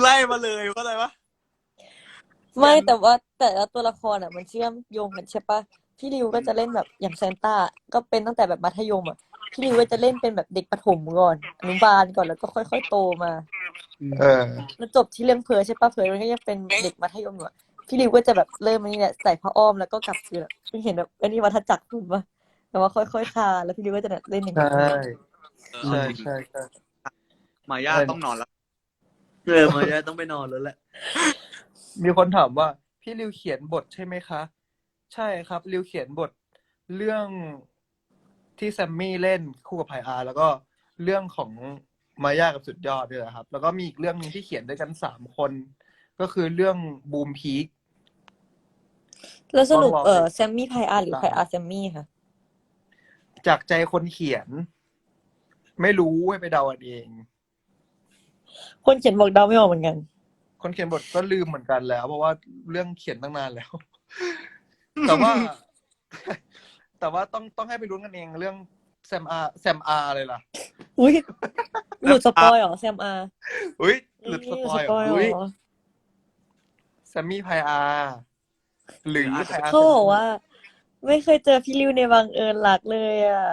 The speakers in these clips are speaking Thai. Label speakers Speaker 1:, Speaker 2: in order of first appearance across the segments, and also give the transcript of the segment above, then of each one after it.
Speaker 1: ไล่มาเลยว่าอะไรวะ
Speaker 2: ไม่แต่ว่าแต่ละตัวละครอ่ะมันเชื่อมโยงกันใช่ปะพี่ริวก็จะเล่นแบบอย่างแซนต้าก็เป็นตั้งแต่แบบมัธยมอ่ะพี่ริวก็จะเล่นเป็นแบบเด็กประถมก่อนอนุบาลก่อนแล้วก็ค่อยๆโตมา
Speaker 3: เออ
Speaker 2: แล้วจบที่เรื่องเพร์ลใช่ปะเพร์ลมันก็ยังเป็นเด็กมัธยมอยู่อะพี่ริวก็จะแบบเริ่มอันนี้แหละใส่ผ้าอ้อมแล้วก็กลับคือแบบเพิ่งเห็นแบบอันนี้วัฏจักรคุณปะแต่ว่าค่อยๆคาแล้วพี่ริวก็จะเล่นอย่าง
Speaker 3: ใช่
Speaker 2: นี้
Speaker 3: ใช่
Speaker 1: เอาจริง
Speaker 3: ใช่ใช่
Speaker 1: มาย่าต้องนอนแล้ว
Speaker 4: มาจะต้องไปนอนแล้วแหละ
Speaker 3: มีคนถามว่าพี่ริวเขียนบทใช่ไหมคะ ใช่ครับริวเขียนบทเรื่องที่แซมมี่เล่นคู่กับไพอาร์แล้วก็เรื่องของมาย่ากับสุดยอดด้วยนะครับ แล้วก็มีอีกเรื่องนึงที่เขียนด้วยกัน3 คน ก็คือเรื่องบูมพีค
Speaker 2: แล้วสรุป
Speaker 3: ต้องรอไป
Speaker 2: แซมมี่ไพอาร์หรือไพอาร์แซมมี่ค่ะ
Speaker 3: จากใจคนเขียน ไม่รู้ให้ไปเดาเอาเอง
Speaker 2: คนเขียนบอกเดาไม่ออกเหมือนกัน
Speaker 3: คนเขียนบทก็ลืมเหมือนกันแล้ว เพราะว่าเรื่องเขียนตั้งนานแล้ว แต่ว่า แต่ว่าต้องให้ไปลุ้นกันเองเรื่องแซมอาร์เลยล่ะ
Speaker 2: อุ้ยหลุดสปอยเหรอแซมอาร์
Speaker 3: อุ้ยหลุดสปอยล์เหรอ
Speaker 2: เหร
Speaker 3: อุ้ย
Speaker 2: อ
Speaker 3: แซมมี่ไพอาร์หรือไพอาร์
Speaker 2: เขาบอกว่า ไม่เคยเจอพี่ริวในบังเอิญรักเลยอ่ะ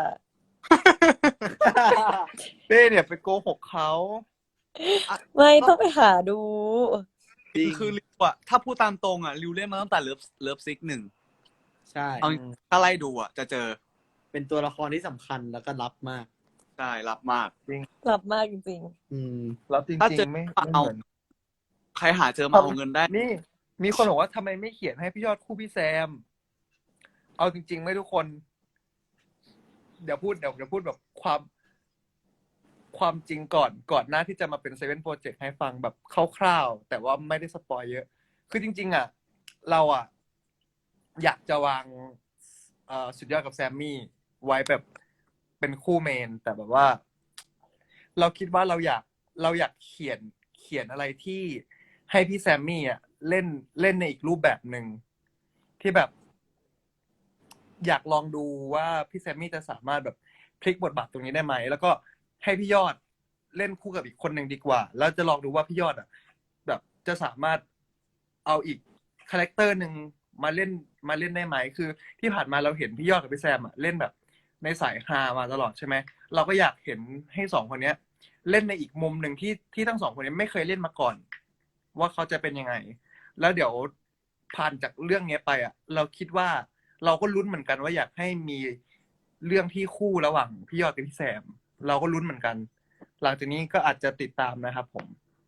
Speaker 3: เต้เนี่ยไปโกหกเขา
Speaker 2: ไม่ต้องไปหาดู
Speaker 1: คือริวอะถ้าพูดตามตรงอะริวเล่นมาตั้งแต่เลิฟซิก1
Speaker 4: ใช่
Speaker 1: เอาถ้าไล่ดูอะจะเจอ
Speaker 4: เป็นตัวละครที่สำคัญแล้วก็รับมาก
Speaker 1: ใช่รับมาก
Speaker 2: หลับมากจริง
Speaker 3: แล้วจริ
Speaker 1: ถ้าง เจอ
Speaker 3: ๆไม่
Speaker 1: เอา
Speaker 3: เหมือน
Speaker 1: ใครหาเจอมาเอาเงินได้
Speaker 3: นี่ มีคนบอกว่าทำไมไม่เขียนให้พี่ยอดคู่พี่แซม เอาจริงๆไม่ทุกคน เดี๋ยวพูดแบบความจริงก่อนหน้าที่จะมาเป็นเซเว่นโปรเจกต์ให้ฟังแบบคร่าวๆแต่ว่าไม่ได้สปอยเยอะ คือจริงๆอ่ะเราอ่ะอยากจะวางสุดยอดกับแซมมี่ไว้แบบเป็นคู่เมน แต่แบบว่า เราคิดว่าเราอยากเขียนอะไรที่ให้พี่แซมมี่อ่ะเล่นในอีกรูปแบบหนึ่งที่แบบ อยากลองดูว่าพี่แซมมี่จะสามารถแบบพลิกบทบาทตรงนี้ได้ไหมแล้วก็ให้พี่ยอดเล่นคู่กับอีกคนหนึ่งดีกว่า แล้วจะลองดูว่าพี่ยอดอ่ะแบบจะสามารถเอาอีกคาแรคเตอร์หนึ่งมาเล่นได้ไหมคือ ที่ผ่านมาเราเห็นพี่ยอดกับพี่แซมอ่ะเล่นแบบในสายฮามาตลอดใช่ไหมเราก็อยากเห็นให้2 คนเนี้ย เล่นในอีกมุมหนึ่งที่ทั้ง2 คนนี้ไม่เคยเล่นมาก่อน ว่าเขาจะเป็นยังไง แล้วเดี๋ยวผ่านจากเรื่องนี้ไปอ่ะ เราคิดว่าเราก็ลุ้นเหมือนกันว่าอยากให้มีเรื่องที่คู่ระหว่างพี่ยอดกับพี่แซม เราก็ลุ้นเหมือนกัน หลังจากนี้ก็อาจจะติดตามนะครับผม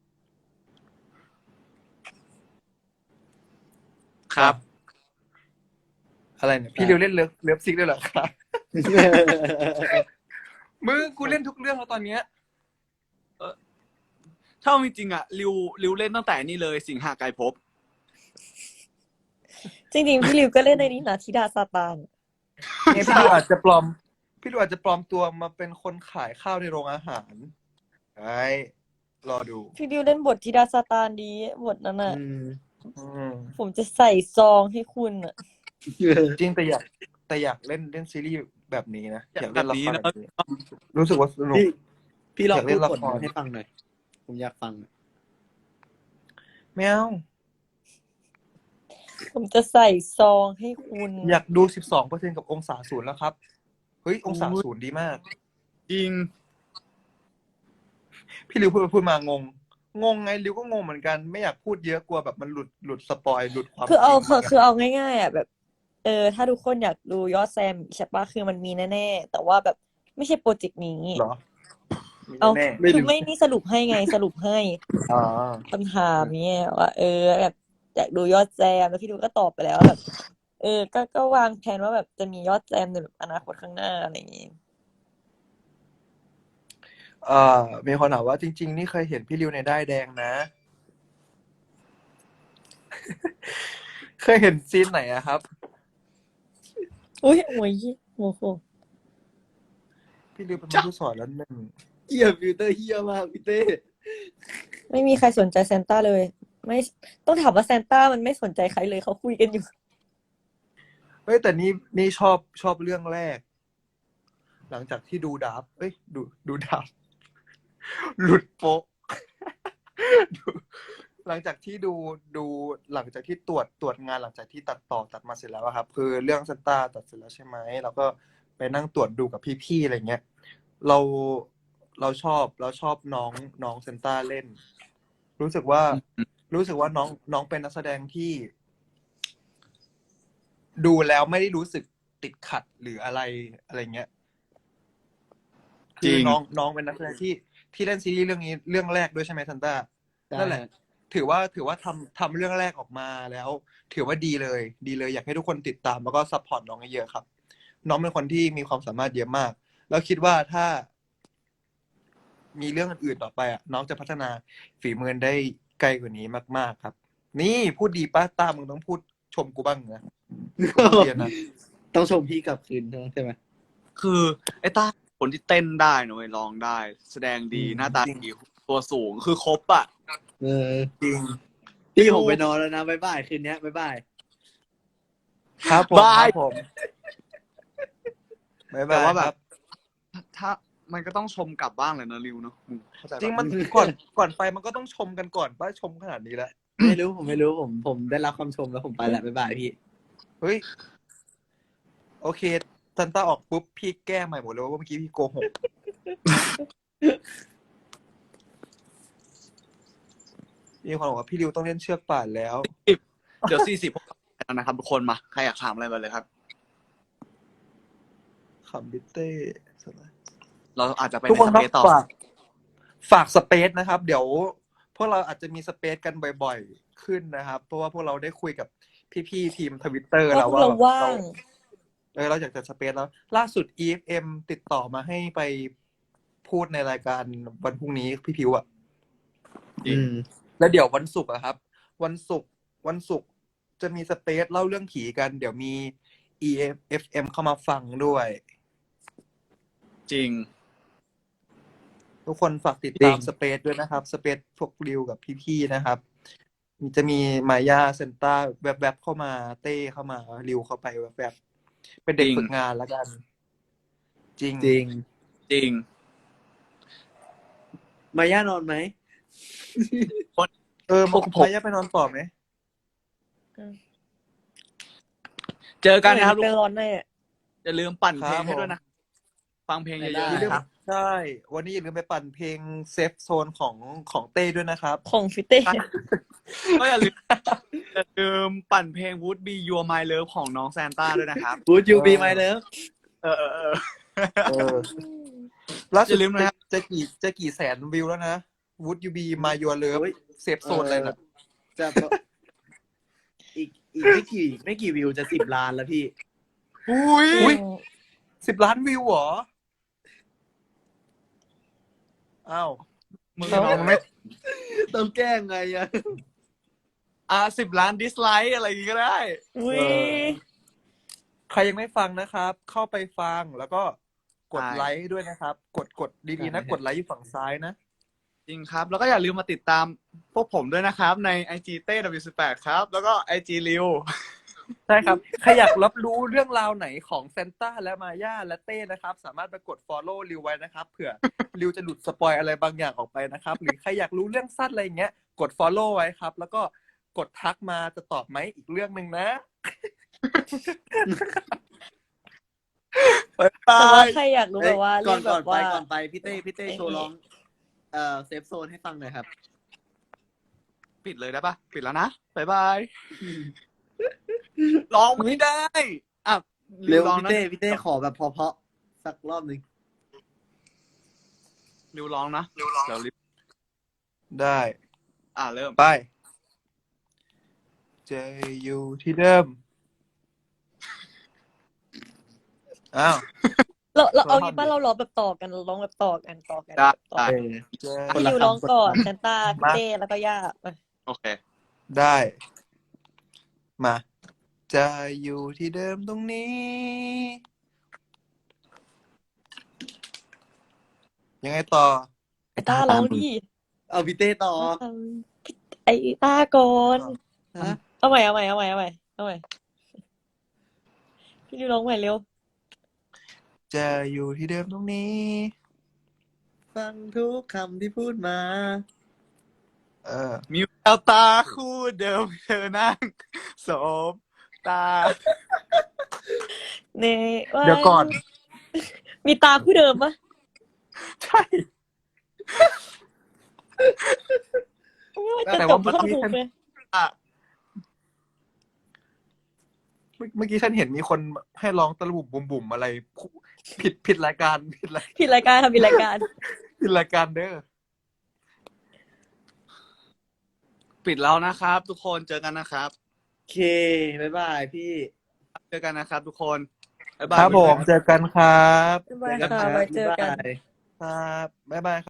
Speaker 1: ครับ
Speaker 3: อะไรเนี่ยพี่ริวเล่นเลิฟซิกด้วยเหรอครับ มึงกูเล่นทุกเรื่องแล้วตอนเนี้ย
Speaker 1: ถ้าเอาจริงๆอะริวเล่นตั้งแต่นี่เลยสิงหาไกรภพ
Speaker 2: ๆ จริงๆ พี่ริวก็เล่นในนี้นะธิดาซาตาน
Speaker 3: เนี่ยพี่ริวอาจจะปลอมตัวมาเป็นคนขายข้าวในโรงอาหารไอ้รอดู
Speaker 2: พี่ริวเล่นบทธิดาซาตานดีบทนั้นอ่ะ
Speaker 3: อืม
Speaker 2: ผมจะใส่ซองให้คุณอ่ะ
Speaker 3: จริงแต่อยากเล่นซีรีส์แบบนี้นะอยากเล่นละคร
Speaker 1: แบบนี้นะ
Speaker 3: แบบนี้รู้สึกว่าสนุก
Speaker 4: พี่ลอง
Speaker 3: อยากเล่
Speaker 4: พูด
Speaker 3: นละ
Speaker 4: บท
Speaker 3: คร
Speaker 4: ให้ฟังหน่อย ผมอยากฟัง
Speaker 3: ไม่เอา
Speaker 2: ผมจะใส่ซองให้คุณ
Speaker 3: อยากดู 12% กับองศาศูนย์แล้วครับเฮ้ยองศาศูนย์ดีมาก
Speaker 1: จริง
Speaker 3: พี่ริวพูดมางงไงริวก็งงเหมือนกันไม่อยากพูดเยอะกลัวแบบมันหลุดสปอยหลุดความ
Speaker 2: คือเอา
Speaker 3: จริง
Speaker 2: คือเอาง่ายๆอ่ะแบบ ถ้าทุกคนอยากดูยอดแซมใช่ปะคือมันมีแน่ๆแต่ว่าแบบไม่ใช่โปรเจกต์นี้
Speaker 3: เหรอ
Speaker 2: เอา
Speaker 3: แน่
Speaker 2: คือไม่นี่สรุปให้ไงสรุปให้
Speaker 3: อ๋อ
Speaker 2: คำถามเนี่ยว่าแบบอยากดูยอดแซมแล้วพี่ดูก็ตอบไปแล้วแบบ ก็วางแผนว่าแบบจะมียอดแซมในแบบอนาคตข้างหน้าอะไรอย่างงี้
Speaker 3: มีคนถามว่าจริงๆนี่เคยเห็นพี่ริวในด้ายแดงนะ เคยเห็นซีนไหนอะครับ
Speaker 2: อุ้ยโอ้ยโอ้โห
Speaker 3: พี่ริวเป็นผู้สอนแล้วหนึ่ง
Speaker 4: เฮียฟิลเตอร์เฮียมากพี่เต้
Speaker 2: ไม่มีใครสนใจซานต้าเลย ไม่ต้องถามว่าซานต้ามันไม่สนใจใครเลยเขาคุยกันอยู่
Speaker 3: เฮ้ยแต่นี่ชอบเรื่องแรก หลังจากที่ดูดับดูดับ หลุดโป๊ะ ดูหลังจากที่ดูหลังจากที่ตรวจงานหลังจากที่ตัดต่อตัดมาเสร็จแล้วอะครับ คือเรื่องซันต้าตัดเสร็จแล้วใช่ไหมเราก็ไปนั่งตรวจดูกับพี่ๆอะไรเงี้ย เราเราชอบน้องซันต้าเล่น รู้สึกว่าน้องเป็นนักแสดงที่ดูแล้วไม่ได้รู้สึกติดขัดหรืออะไรเงี้ย
Speaker 1: จริ
Speaker 3: คือง น้องเป็นนักแสดงที่เล่นซีรีส์เรื่องนี้เรื่องแรกด้วยใช่ไหมซันต้า นั่นแหละ ถือว่าทำเรื่องแรกออกมาแล้ว ถือว่าดีเลย อยากให้ทุกคนติดตามแล้วก็ซัพพอร์ตน้องเยอะๆครับ น้องเป็นคนที่มีความสามารถเยอะมาก แล้วคิดว่าถ้ามีเรื่องอื่นๆต่อไปอ่ะ น้องจะพัฒนาฝีมือได้ไกลกว่านี้มากๆครับ นี่พูดดีป้าต้ามึงต้องพูดชมกูบ้างนะเรียนนะ
Speaker 4: ต้องชมพี่กลับคืนใช่ไหม
Speaker 1: คือไอ้ต้าคนที่เต้นได้นะเว้ยร้องได้ แสดงดี
Speaker 3: อืม
Speaker 1: หน้าตา
Speaker 3: จริง
Speaker 1: ดีตัวสูงคือครบอ่ะ
Speaker 4: เออ
Speaker 3: จริง
Speaker 4: พี่ผมไปนอนแล้วนะบ๊ายบายคืนนี้บ๊ายบาย
Speaker 3: ครับผม
Speaker 1: บาย
Speaker 3: ครับผมบ๊าย
Speaker 1: แต่
Speaker 3: บาย
Speaker 1: ว่าแบ
Speaker 3: ครับ บ
Speaker 1: ถ้ามันก็ต้องชมกลับบ้างเลยนะริวเนาะเข้าใจ
Speaker 3: จริง
Speaker 1: ปะ
Speaker 3: มันก่อนไปมันก็ต้องชมกันก่อนป้าชมขนาดนี้แล้ว
Speaker 4: ไม่รู้ผมไม่รู้ผมได้รับคำชมแล้วผมไปแล้วบ๊ายบายพี่
Speaker 3: เฮ้ย โอเคซันต้าออกปุ๊บพี่แก้ใหม่หมดเลยว่าเมื่อกี้พี่โกหก มีคนบอกว่าพี่ริวต้องเล่นเชือกป่านแล้ว
Speaker 1: เดี๋ยว40นะครับทุกคนมาใครอยากถามอะไรมาเลยครับ
Speaker 3: ขำบิเต้
Speaker 1: เราอาจจะไป
Speaker 3: ทุก
Speaker 1: ใน
Speaker 3: คน
Speaker 1: ส
Speaker 3: ครับ
Speaker 1: เปซต่อ
Speaker 3: ฝากสเปซนะครับ เดี๋ยวพวกเราอาจจะมีสเปซกันบ่อยๆขึ้นนะครับ เพราะว่าพวกเราได้คุยกับพี่ๆทีมทวิตเตอร์
Speaker 2: ว่า
Speaker 3: แล้ว
Speaker 2: พวก
Speaker 3: ว่า
Speaker 2: เรา
Speaker 3: แบบ
Speaker 2: ว่าง
Speaker 3: เราอยากจะสเปซแล้ว ล่าสุด EFM ติดต่อมาให้ไปพูดในรายการวันพรุ่งนี้พี่พิวอะ
Speaker 1: จริง
Speaker 3: แล้วเดี๋ยววันศุกร์อะครับ วันศุกร์จะมีสเปซเล่าเรื่องผีกัน เดี๋ยวมี EFM เข้ามาฟังด้วย
Speaker 1: จริง
Speaker 3: ทุกคนฝากติด
Speaker 4: จริ
Speaker 3: ตาม
Speaker 4: ง
Speaker 3: สเปซด้วยนะครับ สเปซพวกริวกับพี่ๆนะครับ จะมีมายาเซนต้าแวบๆเข้ามาเต้เข้ามาริวเข้าไปแวบๆเป็นเด็ก
Speaker 1: จริง
Speaker 3: ฝึกงานแล้วกัน จริง
Speaker 4: จริง
Speaker 1: จริง
Speaker 4: มาย่านอนไหม
Speaker 1: พวกผม
Speaker 3: มายาไปนอนต่อไหม
Speaker 1: เจอกันนะครับทุก
Speaker 2: เป็น
Speaker 1: คน
Speaker 2: ร้อนแน่
Speaker 1: อย่าลืมปั่นเพลง
Speaker 3: ครับ
Speaker 1: ให้ด้วยนะ ฟังเพลงเย
Speaker 4: ได้
Speaker 1: อะๆ
Speaker 3: อย่าลืม
Speaker 1: นะครับ
Speaker 3: ใช่ วันนี้อย่าลืมไปปั่นเพลงเซฟโซนของเต้ด้วยนะครับ
Speaker 2: ของฟิเต้
Speaker 1: ก็อย่าลืมปั่นเพลง Would Be Your My Love ของน้องแซนต้าด้วยนะครับ
Speaker 4: Would you be my love
Speaker 1: เออ
Speaker 3: ล่าสุ
Speaker 1: อ
Speaker 3: ด
Speaker 1: ย่าลืมนะครับ
Speaker 3: จะกี่แสนวิวแล้วนะ Would you be my your love
Speaker 4: โอ้ย
Speaker 3: เซฟโซนอะไรน่ะ
Speaker 4: จะอีกไม่กี่วิวจะ10 ล้านแล้วพี่
Speaker 3: อุ้ย 10 ล้านวิวเหรอ อ้าว
Speaker 1: มึง
Speaker 3: น้องไม่
Speaker 4: ต้องแก้ไงอะ
Speaker 1: 10 ล้านดิสไลค์อะไรอย่างงี้ก็ได้
Speaker 2: อุ้ย
Speaker 3: ใครยังไม่ฟังนะครับ เข้าไปฟังแล้วก็กด
Speaker 1: ใช่
Speaker 3: ไลค์ด้วยนะครับ กดดีๆนะ กดไลค์อยู่ฝั่งซ้ายนะ
Speaker 1: จริงครับ แล้วก็อย่าลืมมาติดตามพวกผมด้วยนะครับ ใน IG เต้ W18 ครับ แล้วก็ IG ริว
Speaker 3: ใช่ครับ ใครอยากรับรู้เรื่องราวไหนของเซนต้าและมาย่าและเต้นะครับ สามารถไปกด follow ริวไว้นะครับ เผื่อริวจะหลุดสปอยอะไรบางอย่างออกไปนะครับ หรือใครอยากรู้เรื่องสั้นอะไรอย่างเงี้ย กด follow ไว้ครับ แล้วก็กดทักมาจะตอบไหมอีกเรื่องหนึ่งนะ
Speaker 2: แต่ว่าใครอยากรู้แบบว่า
Speaker 4: ก่
Speaker 2: เล่
Speaker 4: อน
Speaker 2: นแบบว่า
Speaker 4: ก่อนไปพี่เต้โชว์ร้องเซฟโซนให้ฟังหน่อยครับ
Speaker 1: ปิดเลยได้ปะปิดแล้วนะ บ๊ายบาย ร้องไม่ได้ อ่ะ
Speaker 4: เร็ว
Speaker 1: ร้อง
Speaker 4: พี่
Speaker 1: นะ
Speaker 4: เต้ขอแบบเพราะๆสักรอบหนึ่ง
Speaker 1: ริวร้องนะ เดี๋ยวริว
Speaker 3: ได้
Speaker 1: เริ่ม
Speaker 3: ไปจะอยู่ที่เดิม อ้าว
Speaker 2: เราเอางี้ป่ะเราร้องแบบต่อกันเราร้องแบบต่อกัน
Speaker 1: ได้
Speaker 2: ต่อ
Speaker 1: ได้
Speaker 3: จะ
Speaker 4: คน
Speaker 2: พี่
Speaker 4: ละ
Speaker 2: ยู
Speaker 4: คำ
Speaker 2: ร้องก่อน
Speaker 4: คนละคำ
Speaker 2: แซนต้าพี่เต้แล้วก็ย่าไป
Speaker 1: โอเค
Speaker 3: ได้ มา จะอยู่ที่เดิมตรงนี้ ยังไงต่อ
Speaker 2: ไอ้ต้าร้องดิ
Speaker 4: เอาพี่เต้ต่อ
Speaker 2: ไอ้ต้าก่อน
Speaker 4: ฮะ
Speaker 2: เอาใหม่พี่ยูร้องใหม่เร็ว
Speaker 3: จะอยู่ที่เดิมตรงนี้
Speaker 4: ฟังทุกคำที่พูดมา
Speaker 3: เออ
Speaker 1: มิวเอาตาคู่เดิมเธอนั่งสบตา
Speaker 2: เน่ว่า
Speaker 3: เดี๋ยวก่อน
Speaker 2: มีตาคู่เดิมปะ
Speaker 3: ใช่
Speaker 2: จะ
Speaker 3: แต่
Speaker 2: จ
Speaker 3: ว่า
Speaker 2: บ
Speaker 3: เมื่อ
Speaker 2: ท่อน
Speaker 3: กี้
Speaker 2: ฮุก
Speaker 3: ฉัน
Speaker 2: เลย
Speaker 3: เมื่อกี้ฉันเห็นมีคนให้ร้องตะลุบุ่มบุ่มอะไร ผิดรายการผิดราย
Speaker 2: ผิดรายการค่ะผิดรายการ
Speaker 3: ผิดรายการเด้อ
Speaker 1: ปิดแล้วนะครับ ทุกคนเจอกันนะครับ
Speaker 4: โอเค บ๊ายบายพี่
Speaker 1: เจอกันนะครับ ทุกคนบ๊ายบาย
Speaker 3: ครับผมเจอกันครับ
Speaker 2: บ๊ายบายค่ะไว้เจอกัน
Speaker 4: บ๊ายบาย
Speaker 3: ครับบ๊ายบาย